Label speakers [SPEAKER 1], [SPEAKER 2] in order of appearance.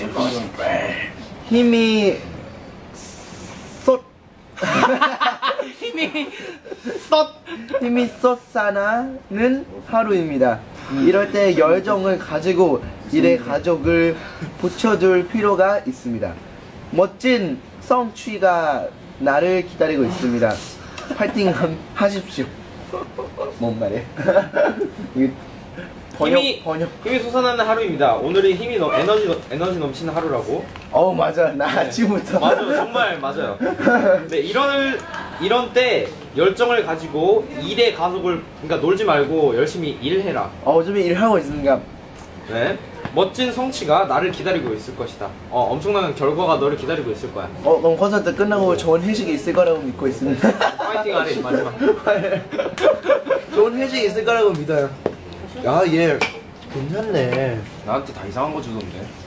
[SPEAKER 1] 힘이 쏟 힘이 쏟아나는 하루입니다. 이럴 때 열정을 가지고 일에 가족을 붙여줄 필요가 있습니다. 멋진 성취가 나를 기다리고 있습니다. 파이팅 하십시오. 뭔 말이야?
[SPEAKER 2] 힘이 솟아나는 하루입니다. 오늘이 에너지 넘치는 하루라고.
[SPEAKER 1] 맞아. 나 아침부터.
[SPEAKER 2] 맞아요, 정말 맞아요. 네, 이런 때 열정을 가지고 일에 가속을, 그러니까 놀지 말고 열심히 일해라.
[SPEAKER 1] 요즘에 일하고 있으니까.
[SPEAKER 2] 네, 멋진 성취가 나를 기다리고 있을 것이다. 엄청난 결과가 너를 기다리고 있을 거야.
[SPEAKER 1] 그럼 콘서트 끝나고 좋은 회식이 있을 거라고 믿고 있습니다.
[SPEAKER 2] 파이팅 하래 마지막.
[SPEAKER 1] 좋은 회식이 있을 거라고 믿어요. 야, 얘 괜찮네.
[SPEAKER 3] 나한테 다 이상한 거 주던데.